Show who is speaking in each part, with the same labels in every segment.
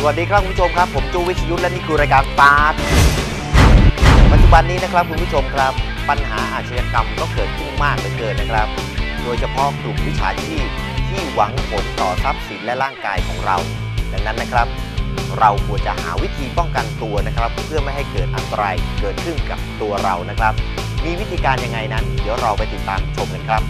Speaker 1: วัสดีครับคุณผู้ชมครับผมจูวิชยุทธและนี่คือรายการตาร์ทปัจจุบันนี้นะครับคุณผู้ชมครับปัญหาอาชญากรรมก็เกิดขึ้นมากเหลือเกินนะครับโดยเฉพาะกลุ่มวิชาชีพที่หวังผลต่อทรัพย์สินและร่างกายของเราดังนั้นนะครับเราควรจะหาวิธีป้องกันตัวนะครับเพื่อไม่ให้เกิดอันตรายเกิดขึ้นกับตัวเรานะครับมีวิธีการยังไงนั้นเดี๋ยวเราไปติดตามชมกันครับ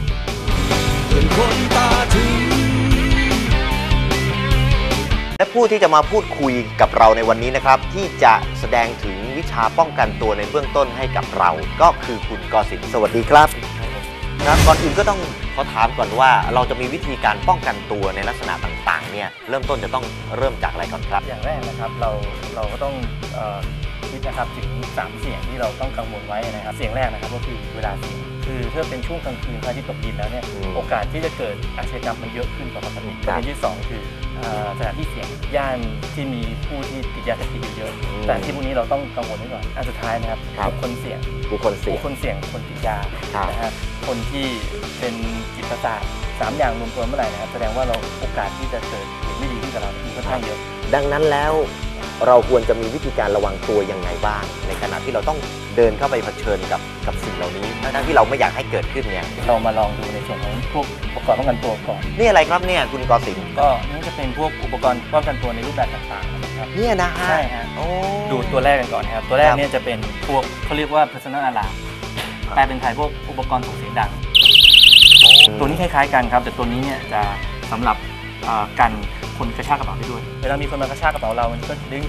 Speaker 1: และผู้ที่จะมาพูดคุยกับเราในวันนี้นะครับที่จะแสดงถึงวิชาป้องกันตัวในเบื้องต้นให้กับเราก็คือคุณกสินทร์สวัสดีครับครับก่อนอื่นก็ต้องขอถามก่อนว่าเราจะมีวิธีการป้องกันตัวในลักษณะต่างๆเนี่ยเริ่มต้นจะต้องเริ่มจากอะไรก่อนครับ
Speaker 2: อย่างแรกนะครับเราก็ต้องคิดนะครับถึง3เสี่ยงที่เราต้องกังวลไว้นะครับเสี่ยงแรกนะครับก็คือเวลาเสี่ยงคือถ้าเป็นช่วงกลางคืนพระอาทิตย์ตกดินแล้วเนี่ยโอกาสที่จะเกิดอาชญากรรมมันเยอะขึ้นกว่าปกติประเด็นที่2คือสถานที่เสี่ยงย่านที่มีผู้ที่ติดยาเสพติดเยอะแต่ที่พวกนี้เราต้องกังวลไว้ก่อนอันสุดท้ายนะครับบุคคลเสี่ยงคนติดยานะฮะคนที่เป็นจิตประสาท3อย่างรวมตัวเมื่อไหร่นะครับแสดงว่าเราโอกาสที่จะเกิดเหตุไม่ดีขึ้นกับเรามีค่อนข้างเยอะ
Speaker 1: ดังนั้นแล้วเราควรจะมีวิธีการระวังตัวยังไงบ้างในขณะที่เราต้องเดินเข้าไปเผชิญกับสิ่งเหล่านี้ทั้งที่เราไม่อยากให้เกิดขึ้นเนี่ย
Speaker 2: เรามาลองดูในส่วนของพวกอุปกรณ์ป้องกันตัวก่อน
Speaker 1: นี่อะไรครับเนี่ยคุณกสินทร์
Speaker 2: ก็นี่จะเป็นพวกอุปกรณ์ป้องกันตัวในรูปแบบต่างๆนะครับ
Speaker 1: เนี่ยนะฮะ
Speaker 2: ใช่ฮะดูตัวแรกกันก่อนครับตัวแรกเนี่ยจะเป็นพวกเขาเรียกว่า personal alarm แปลเป็นไทยพวกอุปกรณ์ส่งเสียงดังตัวนี้คล้ายๆกันครับแต่ตัวนี้เนี่ยจะสำหรับกันคนกระชากกระเป๋าได้ด้วยเวลามีคนมากระชากกระเป๋าเรามันก็ดึง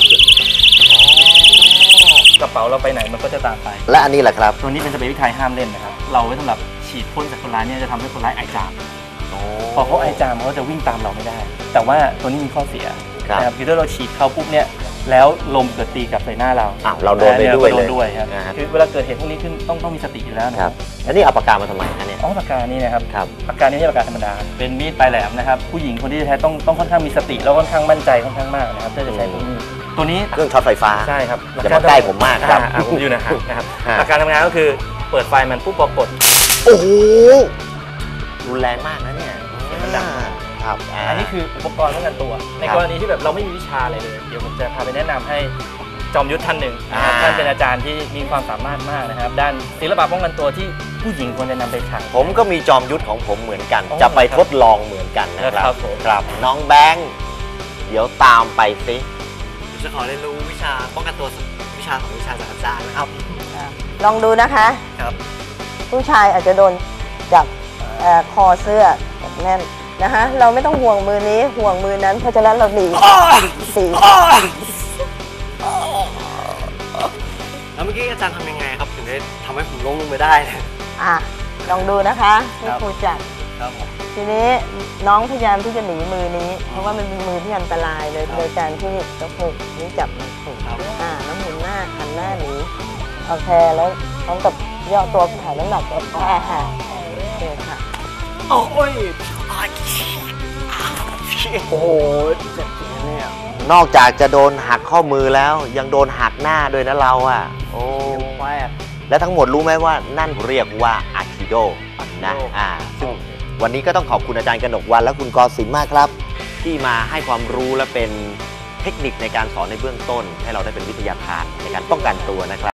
Speaker 2: กระเป๋าเราไปไหนมันก็จะตามไป
Speaker 1: และอันนี้แหละครับ
Speaker 2: ตัวนี้เป็นสเปรย์วิทัยห้ามเล่นนะครับเราไว้สำหรับฉีดพ่นใส่คนร้ายเนี่ยจะทำให้คนร้ายไอจามพอเขาไอจามเขาจะวิ่งตามเราไม่ได้แต่ว่าตัวนี้มีข้อเสียนะครับคือถ้าเราฉีดเขาปุ๊บเนี่ยแล้วลมเกิดตีกับใส่หน้าเรา
Speaker 1: เราโดนไป
Speaker 2: ด้วยครับคือเวลาเกิดเหตุพวกนี้ขึ้นต้องมีสติอยู่แล้วนะครับ
Speaker 1: แล้วนี่เอาปากกามาทำไมคะเนี่ย
Speaker 2: ปากกานี่นะครับปากกานี่ไม่ใช่ปากกาธรรมดาเป็นมีดปลายแหลมนะครับผู้หญิงคนที่จะใช้ต้องค่อนข้างมีสติแล้วค่อนข้างมั่นใจค่อนข้างมากนะครับถ้าจะใช้ตัวนี้
Speaker 1: เครื่องช็อตไฟฟ้า
Speaker 2: ใช่ครับ
Speaker 1: อย่ามาใกล้ผมมากครับ
Speaker 2: ผมอยู่นะครับหลักการทำงานก็คือเปิดไฟมันปุ๊บพอกด
Speaker 1: โอ้โหรุนแรงมากนะเนี่ย
Speaker 2: มันดังครับอันนี้คืออุปกรณ์ป้องกันตัวในกรณีที่แบบเราไม่มีวิชาอะไรเลยเดี๋ยวผมจะพาไปแนะนำให้จอมยุทธท่านหนึ่งท่านเป็นอาจารย์ที่มีความสามารถมากนะครับด้านศิลปะป้องกันตัวที่ผู้หญิงควรจะนำไปใช้
Speaker 1: ผมก็มีจอมยุทธของผมเหมือนกันจะไปทดลองเหมือนกันนะครับครับน้องแบงค์เดี๋ยวตามไปสิ
Speaker 3: จะขอเรียนรู้วิชาป้องกันตัววิชาของวิชาจากอาจารย์นะครับ
Speaker 4: ลองดูนะคะ
Speaker 3: ครับ
Speaker 4: ผู้ชายอาจจะโดนจับคอเสื้อแบบแน่นนะคะเราไม่ต้องห่วงมือนี้ห่วงมือนั้นเพราะฉะนั้นเราหนี
Speaker 3: แล้วเมื่อกี้อาจารย์ทำยังไงครับถึงได้ทำให้ผมล้มลงไปได้
Speaker 4: ลองดูนะคะที่ครูจับทีนี้น้องพยายามที่จะหนีมือนี้เพราะว่ามันเป็นมือที่อันตรายเลยโดยการที่จะผูกนี้จับมันผูกแล้วหมุนหน้าหันหน้าหนีโอเคแล้วพร้อมกับย่อตัวถ่ายน้ำหนักก็แค่ค่ะโอเคค่ะ
Speaker 3: โอ้ยโอ้โหเจ็บจริงเนี่ย
Speaker 1: นอกจากจะโดนหักข้อมือแล้วยังโดนหักหน้าด้วยนะเราโอ้และทั้งหมดรู้ไหมว่านั่นเรียกว่าอะคิโดนะซึ่งวันนี้ก็ต้องขอบคุณอาจารย์กนกวรรณและคุณกสินทร์มากครับที่มาให้ความรู้และเป็นเทคนิคในการสอนในเบื้องต้นให้เราได้เป็นวิทยาทานในการป้องกันตัวนะครับ